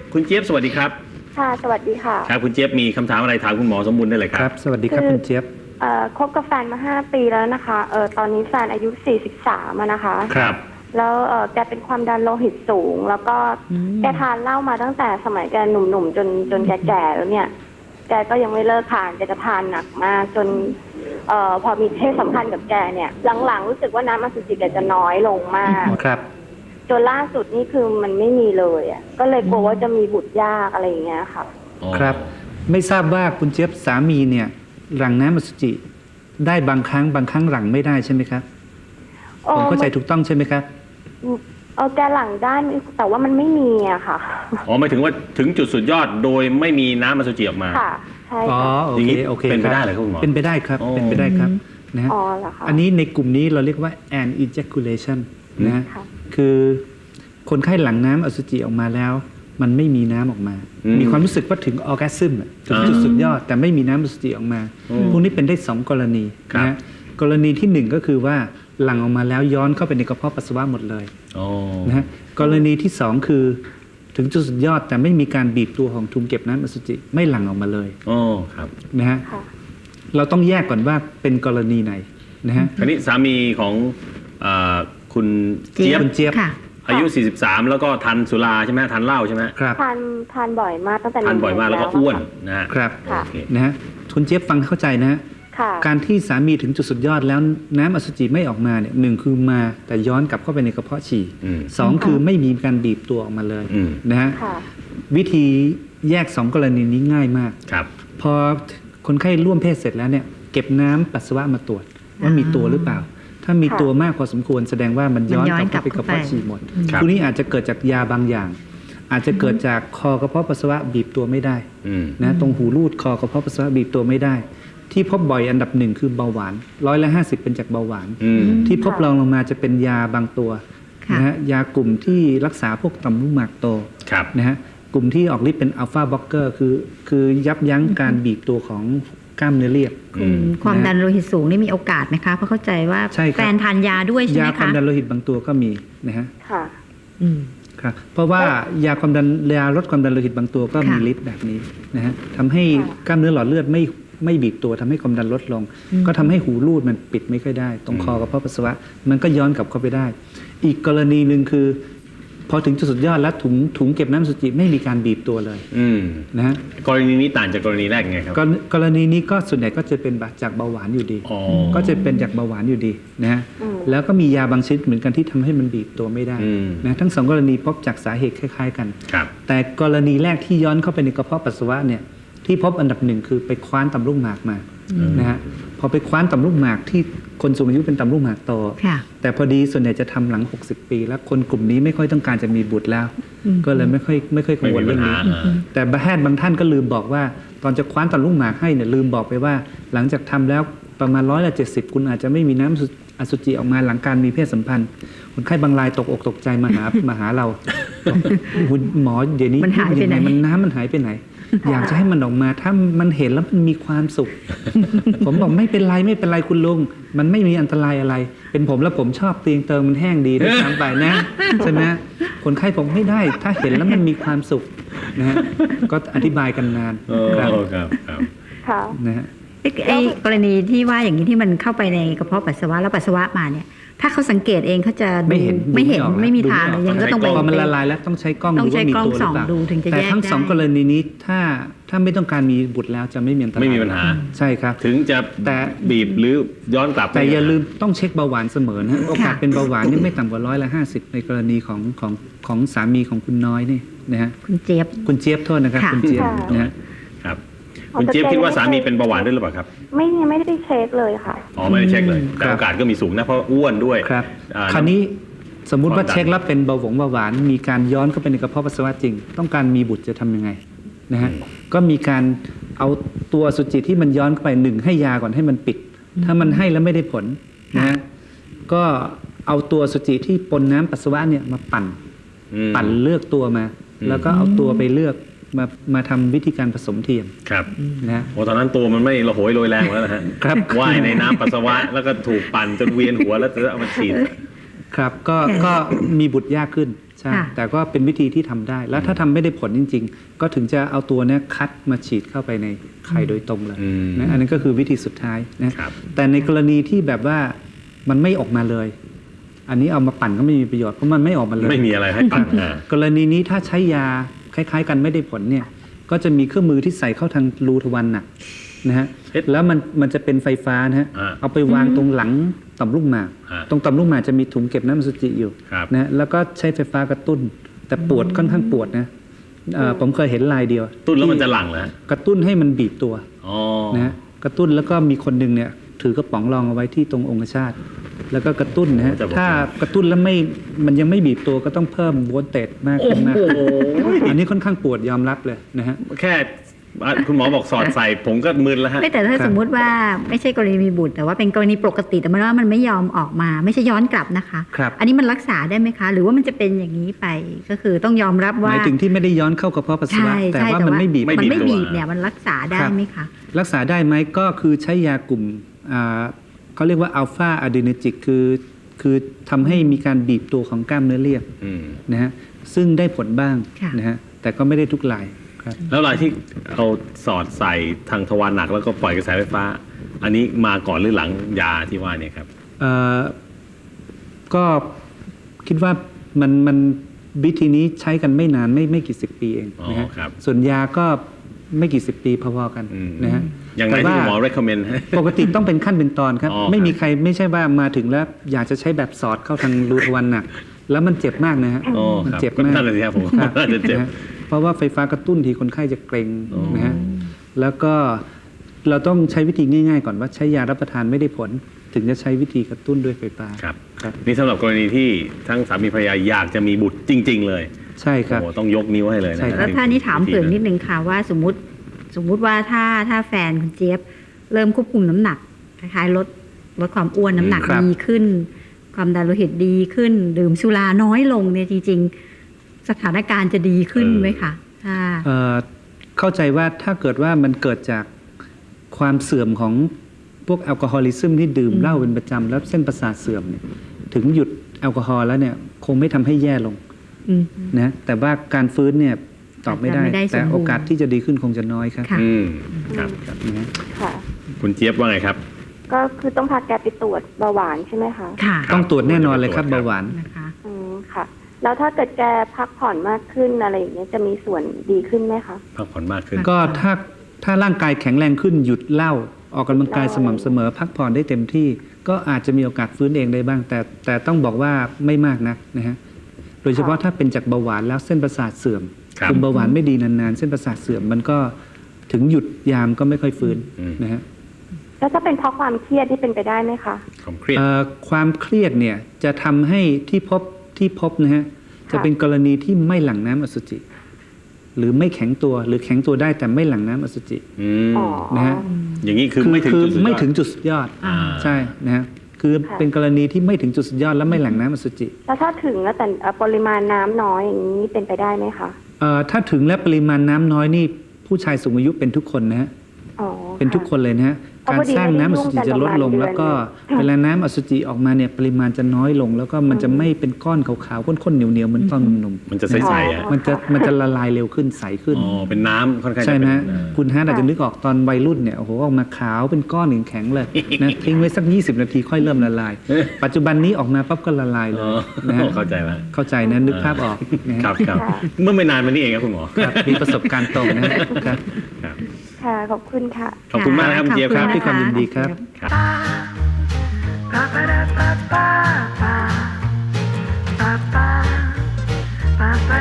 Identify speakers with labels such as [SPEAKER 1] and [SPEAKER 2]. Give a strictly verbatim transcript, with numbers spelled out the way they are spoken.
[SPEAKER 1] คุณเจี๊ยบสวัสดีครับ
[SPEAKER 2] ค่ะสวัสดีค่ะ
[SPEAKER 1] ครับคุณเจี๊ยบมีคำถามอะไรถามคุณหมอสมบูรณ์ได้เลยครับ
[SPEAKER 3] ครับสวัสดีครับคุณเจี๊ยบ
[SPEAKER 2] เอ่อคบกับแฟนมาห้าปีแล้วนะคะเออตอนนี้แฟนอายุสี่สิบสามนะคะ
[SPEAKER 1] ครับ
[SPEAKER 2] แล้วเออแกเป็นความดันโลหิตสูง แล้วก็แกทานเหล้ามาตั้งแต่สมัยแกหนุ่มๆจนจนแกแก่แล้วเนี่ยแกก็ยังไม่เลิกทานแกจะทานหนักมากจนเอ่อพอมีเพศสัมพันธ์กับแกเนี่ยหลังๆรู้สึกว่าน้ำอสุจิแกจะน้อยลงมาก
[SPEAKER 3] ครับ
[SPEAKER 2] จนล่าสุดนี่คือมันไม่มีเลยอ่ะก็เลยกลัวว่าจะมีบุตรยากอะไรอย่างเงี้ยค่ะ
[SPEAKER 3] ครับไม่ทราบว่าคุณเจี๊ยบสามีเนี่ยหลั่งน้ำอสุจิได้บางครั้งบางครั้งหลั่งไม่ได้ใช่ไหมครับผมเข้าใจถูกต้องใช่ไหมครับ
[SPEAKER 2] เออแกหลั่งได้แต่ว่ามันไม่มีอะค่ะ
[SPEAKER 1] อ๋อหมายถึงว่าถึงจุดสุดยอดโดยไม่มีน้ำอสุจิออกมา
[SPEAKER 2] ค่ะใช่
[SPEAKER 3] อ๋อ
[SPEAKER 2] ค่ะ
[SPEAKER 3] โอเคโอเค
[SPEAKER 1] เป็นไปได้เหรอครับคุณหมอ
[SPEAKER 3] เป็นไปได้ครับเป็นไปได้ครับนะฮะ
[SPEAKER 2] อ๋อเหรอคะ
[SPEAKER 3] อันนี้ในกลุ่มนี้เราเรียกว่า an ejaculation นะฮะคือคนไข้หลั่งน้ำอสุจิออกมาแล้วมันไม่มีน้ำออกมามีความรู้สึกว่าถึงออร์แกซึมถึงจุดสุดยอดแต่ไม่มีน้ำอสุจิออกมาพวกนี้เป็นได้สองกรณีนะฮะกรณีที่หนึ่งก็คือว่าหลั่งออกมาแล้วย้อนเข้าไปในกระเพาะปัสสาวะหมดเลยนะฮะกรณีที่สองคือถึงจุดสุดยอดแต่ไม่มีการบีบตัวของทุงเก็บน้ำอสุจิไม่หลั่งออกมาเลย
[SPEAKER 1] อ๋อครับ
[SPEAKER 3] นะฮะเราต้องแยกก่อนว่าเป็นกรณีไหนนะฮะ
[SPEAKER 1] อันนี้สามีของคุณเจี๊ยบ
[SPEAKER 3] คุณเจี๊ยบ
[SPEAKER 1] อายุสี่สิบสามแล้วก็ทานสุราใช่ไหมทานเหล้าใช่ไหม
[SPEAKER 3] ครับ
[SPEAKER 2] ทานทานบ่อยมากตั้งแต่
[SPEAKER 1] ทานบ่อยมากแล้วก็อ้วนนะฮะ
[SPEAKER 3] ครับนะฮะคุณเจี๊ยบฟังเข้าใจนะฮะการที่สามีถึงจุดสุดยอดแล้วน้ำอสุจิไม่ออกมาเนี่ยหนึ่งคือมาแต่ย้อนกลับเข้าไปในกระเพาะฉี่สองคือไม่มีการบีบตัวออกมาเลยนะฮะวิธีแยกสองกรณีนี้ง่ายมากพอคนไข้ร่วมเพศเสร็จแล้วเนี่ยเก็บน้ำปัสสาวะมาตรวจว่ามีตัวหรือเปล่าถ้ามีตัวมากพอสมควรแสดงว่ามันย้อนกลับไปกระเพาะฉี่หมดพวกนี้อาจจะเกิดจากยาบางอย่าง อาจจะเกิดจากคอกระเพาะปัสสาวะบีบตัวไม่ได้นะตรงหูรูดคอกระเพาะปัสสาวะบีบตัวไม่ได้ที่พบบ่อยอันดับหนึ่งคือเบาหวานร้อยละห้าสิบเป็นจากเบาหวานที่พบรองลงมาจะเป็นยาบางตัวนะฮะยากลุ่มที่รักษาพวกต่อมลูกหมากโตนะฮะกลุ่มที่ออกฤทธิ์เป็นอัลฟาบล็อกเกอร์คือคือยับยั้งการบีบตัวของกล้ามเนื้อเรียบ
[SPEAKER 4] ความดันโลหิตสูงนี่มีโอกาสไหมคะเพราะเข้าใจว่าแฟนทานยาด้วยใช่ไหมคะ
[SPEAKER 3] ยาความดันโลหิตบางตัวก็มีนะฮะ
[SPEAKER 2] ค่ะ
[SPEAKER 3] ครับเพราะว่ายาความดันยาลดความดันโลหิตบางตัวก็มีฤทธิ์แบบนี้นะฮะทำให้กล้ามเนื้อหลอดเลือดไม่ไม่บีบตัวทำให้ความดันลดลงก็ทำให้หูรูดมันปิดไม่ค่อยได้ตรงคอกระเพาะปัสสาวะมันก็ย้อนกลับเข้าไปได้อีกกรณีหนึ่งคือพอถึงจุดสุดยอดแล้วถุงถุงเก็บน้ำอสุจิไม่มีการบีบตัวเลยนะฮะ
[SPEAKER 1] กรณีนี้ต่างจากกรณีแรกไงครับ
[SPEAKER 3] กรณีนี้ก็ส่วนใหญ่ก็จะเป็นจากเบาหวานอยู่ดีก็จะเป็นจากเบาหวานอยู่ดีนะฮะแล้วก็มียาบางชนิดเหมือนกันที่ทำให้มันบีบตัวไม่ได้นะทั้งสองกรณีพบจากสาเหตุคล้ายๆกันแต่กรณีแรกที่ย้อนเข้าไปในกระเพาะปัสสาวะเนี่ยที่พบอันดับหนึ่งคือไปคว้านต่อมลูกหมากมานะฮะพอไปคว้านต่อมลูกหมากที่คนสูงอายุเป็นต่อมลูกหมากโตแต่พอดีส่วนใหญ่จะทำหลังหกสิบปีแล้วคนกลุ่มนี้ไม่ค่อยต้องการจะมีบุตรแล้วก็เลยไม่ค่อยไม่ค่อยกังวลเรื่องนี้แต่แพทย์บางท่านก็ลืมบอกว่าตอนจะคว้านต่อมลูกหมากให้เนี่ยลืมบอกไปว่าหลังจากทำแล้วประมาณร้อยละเจ็ดสิบคุณอาจจะไม่มีน้ำอสุจิออกมาหลังการมีเพศสัมพันธ์คนไข้บางรายตกอกตกใจมาหามาหาเราหมอเดี๋ยวนี้
[SPEAKER 4] มันหายไปไหน
[SPEAKER 3] มันน้ำมันหายไปไหนอยากจะให้มันออกมาถ้ามันเห็นแล้วมันมีความสุข ผมบอกไม่เป็นไรไม่เป็นไรคุณลุงมันไม่มีอันตรายอะไรเป็นผมแล้วผมชอบเตียงเติมมันแห้งดีด้วยซ้ำไปนะใช่ไหมคนไข้ผมไม่ได้ถ้าเห็นแล้วมันมีความสุขนะฮะก็อธิบายกันนาน
[SPEAKER 1] ครับครับ
[SPEAKER 2] ครับ
[SPEAKER 3] นะฮะ
[SPEAKER 4] ไอ้กรณีที่ว่าอย่างนี้ที่มันเข้าไปในกระเพาะปัสสาวะแล้วปัสสาวะมาเนี่ยถ้าเขาสังเกตเองเขาจะ
[SPEAKER 3] ไม่เห็น
[SPEAKER 4] ไม่เห็นไม่มีทางเลยยังก็ต้องไป
[SPEAKER 3] พอมันละลายแล้วต้องใช้กล้องดูว่ามีตัวหรือเปล่าแต่ทั้งสองกรณีนี้ถ้าถ้าไม่ต้องการมีบุตรแล้วจะไม่มีอันตราย
[SPEAKER 1] ไม่มีปัญหา
[SPEAKER 3] ใช่ครับ
[SPEAKER 1] ถึงจะแต่บีบหรือย้อนกลับ
[SPEAKER 3] แต่อย่าลืมต้องเช็คเบาหวานเสมอนะโอกาสเป็นเบาหวานนี่ไม่ต่ำกว่าร้อยละห้าสิบในกรณีของของของสามีของคุณน้อยนี่นะฮะ
[SPEAKER 4] คุณเจี๊ยบ
[SPEAKER 3] คุณเจี๊ยบโทษนะครับคุณเจี๊ยบนะฮะ
[SPEAKER 1] ครับคุณเจี๊ยบคิดว่าสามีเป็นเบาหวานด้วยหรือเปล่าครับ
[SPEAKER 2] ไม่ไม่ได้เช็คเลยค่ะ
[SPEAKER 1] อ๋อไม่ได้เช็คเลยแต่โอกาสก็มีสูงนะเพราะอ้วนด้วย
[SPEAKER 3] ครับคราวนี้สมมุติว่าเช็คแล้วเป็นเบาหวงเบาหวานมีการย้อนเข้าไปในกระเพาะปัสสาวะจริงต้องการมีบุตรจะทำยังไงนะฮะก็มีการเอาตัวอสุจิที่มันย้อนเข้าไปหนึ่งให้ยาก่อนให้มันปิดถ้ามันให้แล้วไม่ได้ผลนะฮะก็เอาตัวอสุจิที่ปนน้ำปัสสาวะเนี่ยมาปั่นปั่นเลือกตัวมาแล้วก็เอาตัวไปเลือกมามาทำวิธีการผสมเทียม
[SPEAKER 1] ครับ
[SPEAKER 3] นะ
[SPEAKER 1] โอ้ตอนนั้นตัวมันไม่ระโหยโรยแรงแล้วนะฮะ
[SPEAKER 3] ครับ
[SPEAKER 1] ว่ายในน้ำปัสสาวะแล้วก็ถูกปั่นจนเวียนหัวแล้วจะเอามาฉีด
[SPEAKER 3] ครับก็ก็มีบุตรยากขึ้นใช่
[SPEAKER 4] ค่ะ
[SPEAKER 3] แต่ก็เป็นวิธีที่ทำได้ แล้วถ้าทำไม่ได้ผลจริง ๆ ก็ถึงจะเอาตัวเนี้ยคัดมาฉีดเข้าไปในไข่โดยตรงเลย
[SPEAKER 1] อืม
[SPEAKER 3] นะอันนั้นก็คือวิธีสุดท้ายนะครับ แต่ในกรณีที่แบบว่ามันไม่ออกมาเลย อันนี้เอามาปั่นก็ไม่มีประโยชน์เพราะมันไม่ออกมาเลย
[SPEAKER 1] ไม่มีอะไรให้ปั่นอ่าก
[SPEAKER 3] รณีนี้ถ้าใช้ยาคล้ายๆ กันไม่ได้ผลเนี่ยก็จะมีเครื่องมือที่ใส่เข้าทางรูทวารหนักนะฮะแล้วมันมันจะเป็นไฟฟ้านะฮะ
[SPEAKER 1] อ่า
[SPEAKER 3] เอาไปวางตรงหลังต่อมลูกหมาก
[SPEAKER 1] อ่า
[SPEAKER 3] ตรงต่อมลูกหมากจะมีถุงเก็บน้ำอสุจิอยู่
[SPEAKER 1] ครับ
[SPEAKER 3] นะฮะแล้วก็ใช้ไฟฟ้ากระตุ้น แต่ปวดค่อนข้างปวดนะเอ่อผมเคยเห็นลายเดียว
[SPEAKER 1] ตุ้นแล้วมัน
[SPEAKER 3] ที่
[SPEAKER 1] จะหลั่งแล้ว
[SPEAKER 3] กระตุ้นให้มันบีบตัว
[SPEAKER 1] อ๋อ
[SPEAKER 3] นะฮะกระตุ้นแล้วก็มีคนหนึ่งเนี่ยถือกระป๋องรองเอาไว้ที่ตรงองคชาตแล้วก็กระตุ้นนะฮะถ้ากระตุ้นแล้วไม่มันยังไม่บีบตัวก็ต้องเพิ่มโวลเตจมาก
[SPEAKER 1] โอ้
[SPEAKER 3] ขึ้นมาก
[SPEAKER 1] โห
[SPEAKER 3] ขึ้นอันนี้ค่อนข้างปวดยอมรับเลยนะฮะ
[SPEAKER 1] แค่อ่ะคุณหมอบอกสอดใส่ผมก็มึนแล้วฮะ
[SPEAKER 4] ไม่แต่ถ้า
[SPEAKER 3] ครับ
[SPEAKER 4] สมมุติว่าไม่ใช่กรณีมีบุตร แต่ว่าเป็นกรณีปกติแต่มันว่ามันไม่ยอมออกมา ไม่ใช่ย้อนกลับนะคะ
[SPEAKER 3] ครับ
[SPEAKER 4] อันนี้มันรักษาได้ไหมคะ หรือว่ามันจะเป็นอย่างนี้ไปก็คือต้องยอมรับ
[SPEAKER 3] ห
[SPEAKER 4] ว่า
[SPEAKER 3] มายถึงที่ไม่ได้ย้อนเข้ากระเพาะปัสสาวะ
[SPEAKER 4] ใช่
[SPEAKER 3] แต่
[SPEAKER 4] ใช่
[SPEAKER 3] ว่ามันไม่บีบ
[SPEAKER 1] ไม่
[SPEAKER 4] มันไม่
[SPEAKER 1] บีบตัว
[SPEAKER 4] บีบเนี่ยมันรักษาได้
[SPEAKER 3] ครับ
[SPEAKER 4] ไหมคะ
[SPEAKER 3] รักษาได้ไหมก็คือใช้ยากลุ่มอ่าเขาเรียกว่าอัลฟาอะดรีเนจิกคือคือทำให้มีการบีบตัวของกล้ามเนื้อเรียบ
[SPEAKER 1] อืม
[SPEAKER 3] นะฮะซึ่งได้ผลบ้าง
[SPEAKER 4] ค่ะ
[SPEAKER 3] นะฮะแต่ก็ไม่ได้ทุกรายครับ
[SPEAKER 1] แล้วรายที่เอาสอดใส่ทางทวารหนักแล้วก็ปล่อยกระแสไฟฟ้า อันนี้มาก่อนหรือหลังยาที่ว่าเนี่ยครับ
[SPEAKER 3] เอ่อก็คิดว่ามันมันวิธีนี้ใช้กันไม่นานไม่ไม่กี่สิบปีเอง
[SPEAKER 1] อ๋อ
[SPEAKER 3] นะฮะ
[SPEAKER 1] ครับ
[SPEAKER 3] ส่วนยาก็ไม่กี่สิบปีพอๆกัน
[SPEAKER 1] อืม
[SPEAKER 3] นะฮะ
[SPEAKER 1] อย่างไร
[SPEAKER 3] แต่
[SPEAKER 1] ที่
[SPEAKER 3] ว่า
[SPEAKER 1] คุณหมอ recommend ให้
[SPEAKER 3] ปกติต้องเป็นขั้นเป็นตอนครับ
[SPEAKER 1] อ๋อ
[SPEAKER 3] ไม่มี
[SPEAKER 1] ครับ
[SPEAKER 3] ใครไม่ใช่ว่ามาถึงแล้วอยากจะใช้แบบสอดเข้าทางรูทวารหนัก แล้วมันเจ็บมากนะฮะ
[SPEAKER 1] อ๋อ
[SPEAKER 3] มัน
[SPEAKER 1] ครับ
[SPEAKER 3] เจ็บ
[SPEAKER 1] ก็
[SPEAKER 3] มาก
[SPEAKER 1] นั่นแหละสิครับผม
[SPEAKER 3] ครับ
[SPEAKER 1] น่าจะเจ็บ
[SPEAKER 3] นะฮะเพราะว่าไฟฟ้ากระตุ้นทีคนไข้จะเกร็ง
[SPEAKER 1] อ๋อ
[SPEAKER 3] นะฮะแล้วก็เราต้องใช้วิธีง่ายๆ ก่อนว่าใช้ยารับประทานไม่ได้ผล ถึงจะใช้วิธีกระตุ้นด้วยไฟฟ้า
[SPEAKER 1] ครับ
[SPEAKER 3] ครับ
[SPEAKER 1] นี่สำหรับกรณีที่ทั้งสามีภรรยาอยากจะมีบุตรจริง ๆ เลย
[SPEAKER 3] ใช่ค
[SPEAKER 1] โอ้
[SPEAKER 3] รับ
[SPEAKER 1] โหต้องยกนิ้วให้เลยนะ
[SPEAKER 3] ใช่ครับ
[SPEAKER 4] แล้วถ้านี่ถามเสริมนิดนึงค่ะว่าสมมติสมมุติว่าถ้าถ้าแฟนคุณเจี๊ยบเริ่มควบคุมน้ำหนักคล้ายๆลดลดความอ้วนน้ำหนัก
[SPEAKER 3] ครับ
[SPEAKER 4] ดีขึ้น ความดันโลหิตดีขึ้น ดื่มสุราน้อยลงเนี่ยจริง ๆ สถานการณ์จะดีขึ้นไหมคะถ้า
[SPEAKER 3] เอ่อเข้าใจว่าถ้าเกิดว่ามันเกิดจากความเสื่อมของพวกแอลกอฮอลิซึมที่ดื่มเหล้าเป็นประจำแล้วเส้นประสาทเสื่อมเนี่ยถึงหยุดแอลกอฮอล์แล้วเนี่ยคงไม่ทำให้แย่ลง
[SPEAKER 4] อืม
[SPEAKER 3] นะแต่ว่าการฟื้นเนี่ยตอบไม่ได้
[SPEAKER 4] อาจจะไม่ได้สมบูรณ์
[SPEAKER 3] แต่โอกาสที่จะดีขึ้นคงจะน้อยครับ
[SPEAKER 4] ค่ะ
[SPEAKER 1] อืมครับ
[SPEAKER 3] นะฮะ
[SPEAKER 2] ค่ะ
[SPEAKER 1] คุณเจี๊ยบว่าไงครับ
[SPEAKER 2] ก็คือต้องพาแกไปตรวจเบาหวานใช่ไหมคะ
[SPEAKER 4] ค่ะ
[SPEAKER 3] ต้องตรวจแน่นอนเลยครับ
[SPEAKER 1] ตรวจครับ
[SPEAKER 3] เบาหวาน
[SPEAKER 4] นะคะ
[SPEAKER 2] อืมค่ะ แล้วถ้าเกิดแกพักผ่อนมากขึ้นอะไรอย่างเงี้ยจะมีส่วนดีขึ้นไหมคะ
[SPEAKER 1] พักผ่อนมากขึ้น
[SPEAKER 3] ก็ถ้าถ้าร่างกายแข็งแรงขึ้นหยุดเหล้าออกกำลังกายสม่ำเสมอ พักผ่อนได้เต็มที่ ก็อาจจะมีโอกาสฟื้นเองได้บ้าง แต่แต่ต้องบอกว่าไม่มากนักนะฮะโดยเฉพาะถ้าเป็นจากเบาหวานแล้วเส้นประสาทเสื่อม
[SPEAKER 1] ครับ
[SPEAKER 3] คุมเบาหวานไม่ดีนานๆ เส้นประสาทเสื่อมมันก็ถึงหยุดยามก็ไม่ค่อยฟื้น
[SPEAKER 1] อืม
[SPEAKER 3] นะฮะ
[SPEAKER 2] แล้วถ้าเป็นเพราะความเครียดที่เป็นไปได้ไหมคะ
[SPEAKER 1] ความเครียด
[SPEAKER 3] เอ่อความเครียดเนี่ยจะทำให้ที่พบที่พบนะฮะจะเป็นกรณีที่ไม่หลั่งน้ำอสุจิ หรือไม่แข็งตัวหรือแข็งตัวได้แต่ไม่หลั่งน้ำอสุจิ
[SPEAKER 1] อืม
[SPEAKER 2] อ๋อ
[SPEAKER 3] นะฮะ
[SPEAKER 1] อย่างนี้คือไม่ถึง
[SPEAKER 3] คือ
[SPEAKER 1] จุดสุดยอด
[SPEAKER 3] ไม่ถึงจุดสุดยอด
[SPEAKER 1] อ่า
[SPEAKER 3] ใช่นะฮะคือ
[SPEAKER 2] ค่ะ
[SPEAKER 3] เป็นกรณีที่ไม่ถึงจุดสุดยอดและไม่หลั่งน้ำอสุจิ
[SPEAKER 2] แล้วถ้าถึงแล้วแต่เอ่อปริมาณน้ำน้อยอย่างนี้เป็นไปได้ไหมคะ
[SPEAKER 3] เอ่อถ้าถึงและปริมาณน้ำน้อยนี่ผู้ชายสูงอายุเป็นทุกคนนะฮะ
[SPEAKER 2] อ๋อ
[SPEAKER 3] เป็นทุกคนเลยนะฮะ
[SPEAKER 2] เอา
[SPEAKER 3] การ
[SPEAKER 2] พอดี
[SPEAKER 3] สร้างน้ำอสุจิจะลดลง
[SPEAKER 2] ไม่ได้ยุ่งกัน
[SPEAKER 3] แล้วก็
[SPEAKER 2] ประมาณเดือน
[SPEAKER 3] เวลาน้ำอสุจิออกมาเนี่ยปริมาณจะน้อยลง แล้วก็มันจะไม่เป็นก้อนขาวๆข้นๆเหนียวๆเหมือนตอนหนุ่มๆ
[SPEAKER 1] มันจะใสๆอ่ะ
[SPEAKER 3] มันจะมันจะละลายเร็วขึ้นใสขึ้น
[SPEAKER 1] อ๋อเป็นน้ำค่อนข้างจะ
[SPEAKER 3] ใช่ไหม
[SPEAKER 1] เป็น
[SPEAKER 3] ฮะ
[SPEAKER 1] เอ่อ
[SPEAKER 3] คุณฮาร์ดอาจจะนึกออกตอนวัยรุ่นเนี่ยโอ้โหออกมาขาวเป็นก้อนแข็งๆเลยนะทิ้งไว้สัก ยี่สิบ นาทีค่อยเริ่มละลาย ปัจจุบันนี้ออกมาปั๊บก็ละลายเล
[SPEAKER 1] อ๋
[SPEAKER 3] ย
[SPEAKER 1] อ
[SPEAKER 3] นะฮะ
[SPEAKER 1] เข้าใจแล้ว
[SPEAKER 3] เข้าใจนะนึกภาพออกนะฮะ
[SPEAKER 1] ครับครับ
[SPEAKER 2] ค่ะ
[SPEAKER 1] เมื่อไม่นานมานี้เองครับคุณหมอ
[SPEAKER 3] ครับมีประสบการณ์ตรงนะฮะครับ
[SPEAKER 1] ครับ
[SPEAKER 2] ค่ะ ขอบคุณค่ะ
[SPEAKER 1] ขอบคุณมากนะครับคุณเจี๊ยบครับ
[SPEAKER 3] ด้วยความยินดีครับ
[SPEAKER 1] ครับ